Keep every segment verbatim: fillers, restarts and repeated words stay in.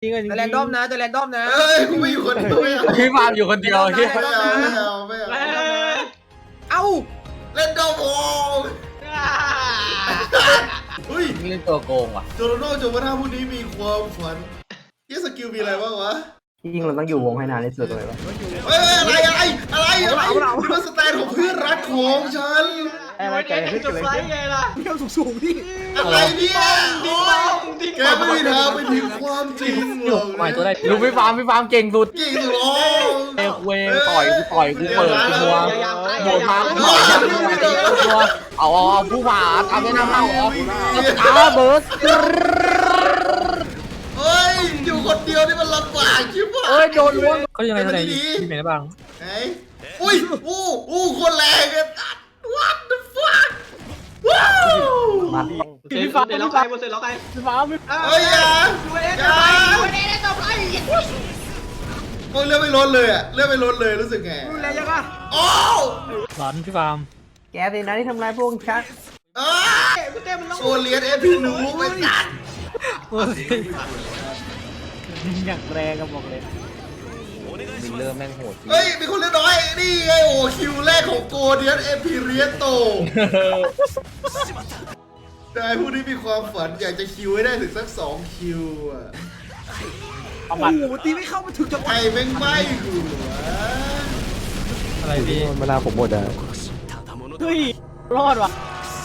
จริงจริงจะแรนดอมนะจะแรนดอมนะเอ้ยกูไม่อยู่คนเดียวไม่เอาพี่ฟาร์มอยู่คนเดียวเฮียไม่เอาไม่เอาไม่เอาเอ้าเล่นดอมโอ้เฮ้ยนี่เล่นตัวโกงว่ะโจโรโน่โจมาท่าผู้นี้มีความฝันยี่สกิลมีอะไรบ้างวะจริงเราต้องอยู่วงให้นานที่สุดเลยวะเฮ้ยอะไรอะไรอะไรอะไรนี่มันสแตนของเพื่อนรักของฉันอะไรแกขึ้นจะเลยไฟไงล่ะเที่ยวสูงๆพี่อะไรเนี่ยโอ้ยแกไม่มีทางไปถึงความจริงหรอกใหม่ตัวได้ลูกพี่ฟาร์มพี่ฟาร์มเก่งสุดจริงหรอเอ้เวต่อยกูต่อยกูเปิดกูมัวโดนมากูต่อยกูมัวเอาเอาผู้ผ่าทำให้หน้าเข้าเหรออ้าเบิร์ดเฮ้ยอยู่คนเดียวนี่มันลำบากชิบหายเอ้ยโดนล้วงเขายังไงทนายพี่เมย์ได้บ้างไหนอุ้ยอู้อู้คนแรงเลย what the fuck ว้าวมาพี่ฟ้าเดี๋ยวเราใครบนเสร็จเราใครพี่ฟาร์มเฮ้ยอย่าดูเอ็นอย่าไปดูเอ็นต่อไปโอ้ยเลือดไม่ลดเลยอะเลือดไม่ลดเลยรู้สึกไงดูแลยังอ่ะโอ้หลอนพี่ฟาร์มแกสินะที่ทำร้ายพวกฉันเอ้ยกูเต้มันต้องโซเลียนเอพีหนูไปตัดอย่างแรงกับบอกเลยมิลเลอร์แม่งโหดเฮ้ยมีคนเล่นน้อยนี่ไงโอ้คิวแรกของโกเดียนเอพีเรียโตได้ผู้ที่มีความฝันอยากจะคิวให้ได้ถึงสักสองคิวอะโอ้โหตีไม่เข้ามาถึงจังหวะไอ้แม่งไม่กูวะอะไรพี่เวลาผมหมดอ่ะเฮ้ยรอดว่ะ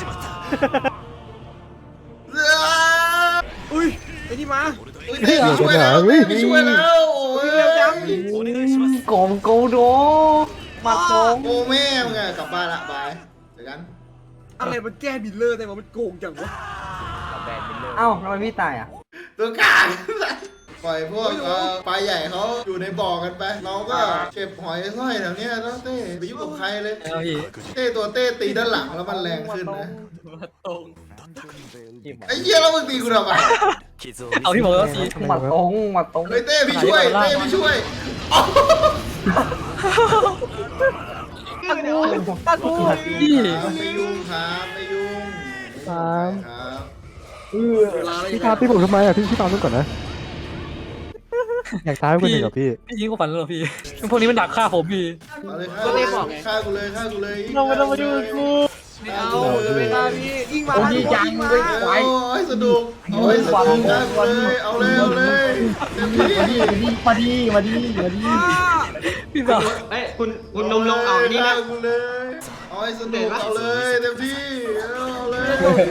อุ้ยไอ้นี่มาอุ้ยเต้ไม่ช่วยแล้วเต้ไม่ช่วยแล้วโอ้ยเร็วจังโกงโกโดมาโกงโอ้แม่มึงอะกลับบ้านละบายเจอกันอะไรมันแก้บิลเลอร์ได้มามันโกงจังวะเอ้าทำไมพี่ตายอ่ะตัวกลางปล่อยพวกเอ่อปลาใหญ่เขาอยู่ในบ่อกันไปเราก็เก็บหอยสร้อยแถวเนี้ยแล้วเต้ไปยุ่งกับใครเลยเอาพี่เต้ตัวเต้ตีด้านหลังแล้วมันแรงขึ้นนะตรงไอ้เหี้ยแล้วมึงตีกูทำไมเอาที่บอกแล้วสิมาตรงมาตรงเฮ้ยเต้พี่ช่วยเต้พี่ช่วยอ๋อตากูพี่ไม่ยุ่งครับไม่ยุ่งครับพี่พาพี่ผมทำไมอ่ะพี่พี่ตามนู้นก่อนนะ อยากท้ายคนหนึ่งกับพี่พี่ยิงกูฝันแล้วพี่ พวกนี้มันดักฆ่าผมพี่เอาเลยฆ่าฆ่ากูเลยฆ่ากูเลยเราไม่ต้องมาดูกูไม่เอาไม่ได้พี่ยิงมาโอ้ยยังมาเว้ยโอ้ยสนุกโอ้ยสนุกฆ่ากูเลยเอาเลยเอาเลยเต็มที่มาดีมาดีมาดีพี่บอกเฮ้ยคุณคุณนมลงเอานี่นะฆ่ากูเลยเอาให้สนุกเอาเลยเต็มที่เอาเลย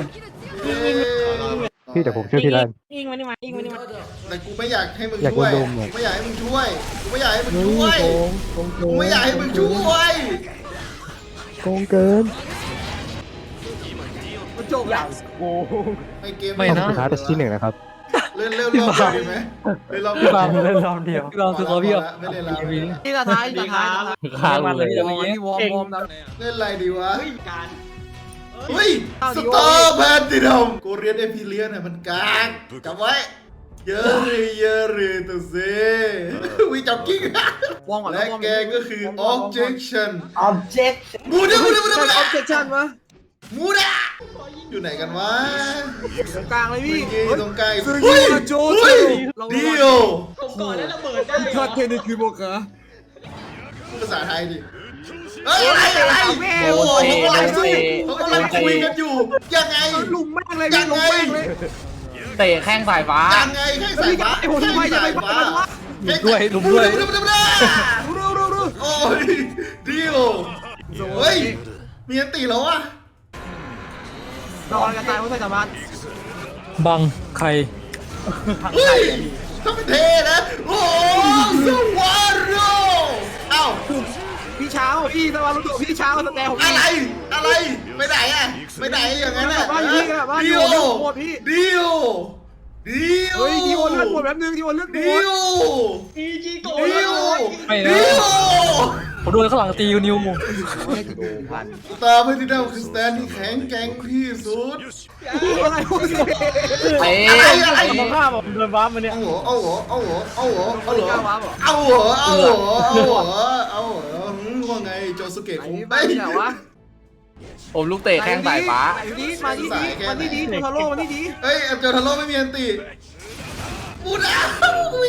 พี่เดี๋ยวผมช่วยพี่แลนยิงมานี่มายิงมานี่มาแต่กูไม่อยากให้มึงอยากช่วยโดนลมอะกูไม่อยากให้มึงช่วยกูไม่อยากให้มึงเฮ้ช่วยยโกงโกงโกกูงไม่อยากให้มึงช่วยโกงเกินมันจบแล้วไม่เกมไม่ต้องนะสุดท้ายเป็นที่หนึ่งนะครับเล่นเล่นรอบเดียวดีไหมเล่นรอบเดีพี่ยวฟาร์มเล่นรอบเดียวพี่ฟาร์มคือเขาพี่แบบไม่เล่นแล้วนี่ตาท้ายตาท้ายฆ่ากูเลยวอร์มนี่วอร์มวอร์มนะเล่นอะไรดีวะเฮ้ยการเฮ้ยสตาร์แพนตินัมกูเรียนเอพิเลียนเนี่ยมันกากจำไว้เยอะเลยเยอะเลยตัวเซ่วิจับกิ้งวอร์มก่อนและแกก็คือ objection object มูดะมูดะมูดะใช่มูดะออบเจคชั่นวะมูดะอยู่ไหนกันวะตรงกลางเลยมึพี่งยืนตรงกลางซื้อเฮ้ยมาโจเฮ้ยเราเดียวผมก่อนแล้วระเบิดได้ทอดเทนนิสคือโบกะพูดภาษาไทยดิเฮ้ยอะไรอะไรโอ้โหเขากำลังสู้เขากำลังคุยกันอยู่ยังไงลุมแม่งเลยพี่ลุมแม่งเลยเตะแข้งสายฟ้ายังไงแค่สายฟ้าไอ้ผมทำไมจะไปบ้ามันวะด้วยลุมด้วยดูดูดูดูรู้รู้รู้โอ้ยดิวเฮ้ยมีอันตีแล้ววะนอนกันตายเพราะใส่สามารถบังใครเฮ้ยทำเป็นเทนะโอ้สวาโรเอ้าพี่เช้าพี่สวารุตัวพี่เช้าสแตนผมอะไรอะไรไปไหนอะไปไหนอย่างนั้นอะบ้านอยู่นี่กันบ้านอดิยู่วหมดพี่ดิวดิวเฮ้ยดีโอเลือดหมดแป๊บนึงดีโอเลือดหมดิดวอีจีโกดิวไม่นะดิวผมโดนข้างหลังตีนิวตาไม่ได้ดาวคือสแตนที่แข็งแกร่งที่สุดอะไรพวกนี้เอ๊ะอะไรอะไรมองข้ามผมโดนบ้ามันเนี่ยเอาหัวเอาหัวเอาหัวเอาหัวเอาหัวกล้าว้าบอกเอาหัวเอาหัวเอาหัวเอาหัวว่าไงโจสุเกะไอ้คงนี่ไปบ้านเนี่ยวะผมลูกเตะแข้งสายฟ้าไอ้นี่มานี่ดีมานี่ดีโทาโร่มานี่ดีเฮ้ยเอลเจอทาโร่ไม่มีอันติพูดแล้วกูมี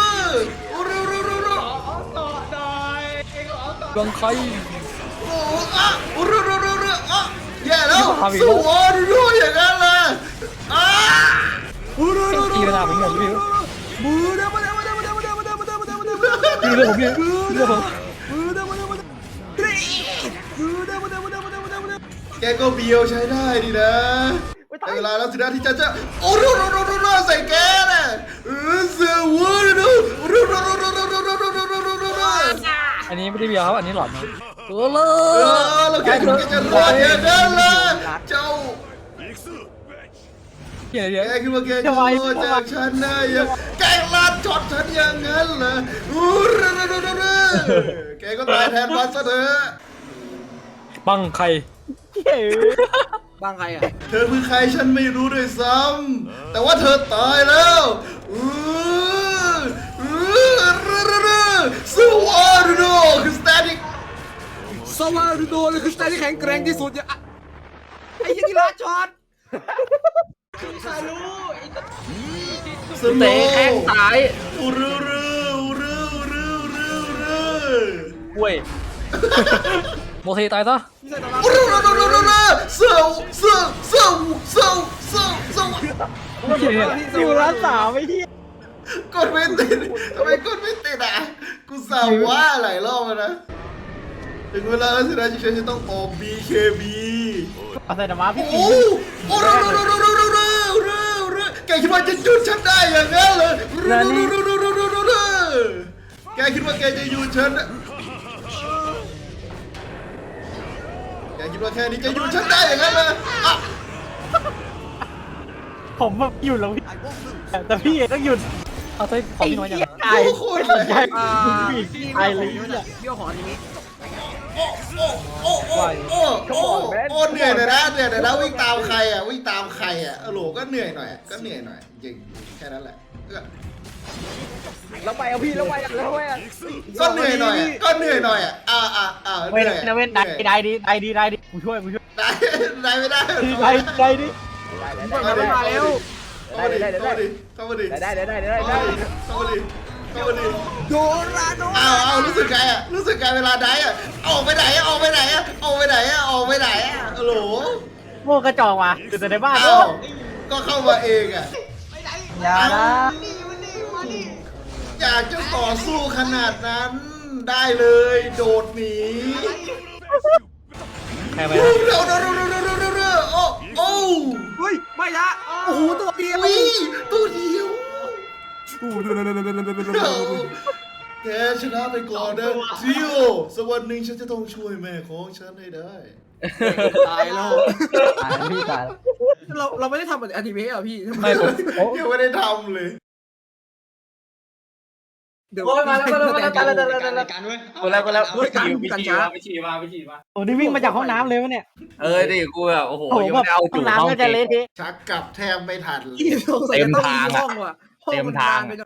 โอ้เร็วเร็วเร็วเร็วดวงใครโอ้อะรุรุรุรุอ่ะแย่แล้วสวอรุรุอย่างนั้นเลยอ่ะตีระดับผมหมดพี่มือเด้อมาเด้อมาเด้อมาเด้อมาเด้อมาเด้อมาเด้อมาเด้อมาเด้อพี่เรื่องผมพี่เรื่องผมมือเด้อมาเด้อมาเด้อมือเด้อมาเด้อมาเด้อมาเด้อมาเด้อมาเด้อแกก็เบียวใช้ได้ดีนะแต่เวลาแล้วสินะที่จะจะโอ้รุรุรุรุรุใส่แกน่ะเออสวอรุรุรุรุรุรุรุรุรุรุรุรุรุอันนี้ไม่ได้เบียร์ครับอันนี้หลอดนะเออเลเออเราแค่คุณจะรอดอย่างนั้นเลยเจ้าเดี๋ยวเดี๋ยวแกคิดว่าแกจะรอดจากฉันได้ยังแกลาดช็อตฉันอย่างนั้นเหรออู้รุรุรุรุรุแกก็ตายแทนมันซะเถอะบังใครบางใครอ่ะเธอคือใครฉันไม่รู้ด้วยซ้ำแต่ว่าเธอตายแล้วอู้อู้รุรุรุสวอร์โดคือสแตติกสวารุโดเลยคือสไตล์ที่แข็งแกร่งที่สุดอย่าไอ้ยี่กีฬาช็อตใครรู้ไอ้สโนเตะแข้งซ้ายอู้รุรุอู้รุรุรุรุกล้วยโมเทตายซะอู้รุรุรุรุรุเซลเซลเซลเซลเซลเซลอยู่ร้านสาวไม่ที่กดไม่ติดทำไมกดไม่ติดอ่ะกูสาวว่าหลายรอบแล้วนะถึงเวลาแล้วสินะที่ฉันจะต้องออก บี เค บีเอาใส่ธรรมะพี่โอ้โอ้รุรุรุรุรุรุรุรุแกคิดว่าจะหยุดฉันได้อย่างนั้นเลยรุรุรุรุรุรุรุแกคิดว่าแกจะหยุดฉันแกคิดว่าแค่นี้จะหยุดฉันได้อย่างนั้นเลยอ่ะผมแบบหยุดแล้วพี่แต่พี่ต้องหยุดเอาใส่ของพี่น้อยอย่างโอ้โหเลยอ่าไอเลยเนี่ยเบี้ยวของอันนี้โอ้โอ้โอ้โอ้โอ้โอ้เหนื่อยหน่อยนะเหนื่อยหน่อยนะวิ่งตามใครอ่ะวิ่งตามใครอ่ะโอ้โหก็เหนื่อยหน่อยก็เหนื่อยหน่อยจริงแค่นั้นแหละแล้วไปเอาพี่แล้วไปแล้วไปก็เหนื่อยหน่อยก็เหนื่อยหน่อยอ่ะอ่าอ่าอ่าเหเว้นนื่อยนะเว้นได้ได้ดีได้ดีได้ดีกูช่วยกูช่วยได้ได้ไม่ได้ได้ได้ดิมาแล้วมาแล้วเข้ามาดิเข้ามาดิเข้ามาดิได้ได้ได้ได้เข้าได้มาดิเข้ามาดิเข้ามาดิโดนละโดนอ้าวอ้าวรู้สึกไงอ่ะรู้สึกไงเวลาได้อ่ะออกไปไหนอ่ะออกไปไหนอ่ะออกไปไหนอ่ะออกไปไหนอ่ะโอ้โหโม่กระจอกว่ะอยู่แต่ในบ้านอ้าวก็เข้ามาเองอ่ะอย่านะอยากจะต่อสู้ขนาดนั้น ได้เลยโดดหนีใครไปเร็นะวเร็วเร็วเร็วเร็วเร็วเร็วเร็วโอ้โอ้เฮ้ยไม่ละโอ้โหตัวเดียววิตัวเดียวแกชนะไปก่อนนะทิโอสักวันหนึ่งฉันจะต้องช่วยแม่ของฉันให้ได้ตายแล้วตายพี่ตายเราเราไม่ได้ทำเหมือนอนิเมะอ่ะพี่ไม่ผมยังไม่ได้ทำเลยเดี๋ยวมาแล้วมาแล้วมาแล้วกันแล้วกันเว้ยกูแล้วกูแล้วเฮ้ยการกันช้าไปฉี่มาไปฉี่มาโอ้นี่วิ่งมาจากห้องน้ำเลยวะเนี่ยเออดิกูแบบโอ้โหโอ้โหยังแบบไม่ได้เอาห้จุองเข้าน้ำก็จะเละเทะชักกลับแทบไม่ทันเลยเต็มทางอ่ะห้องมัน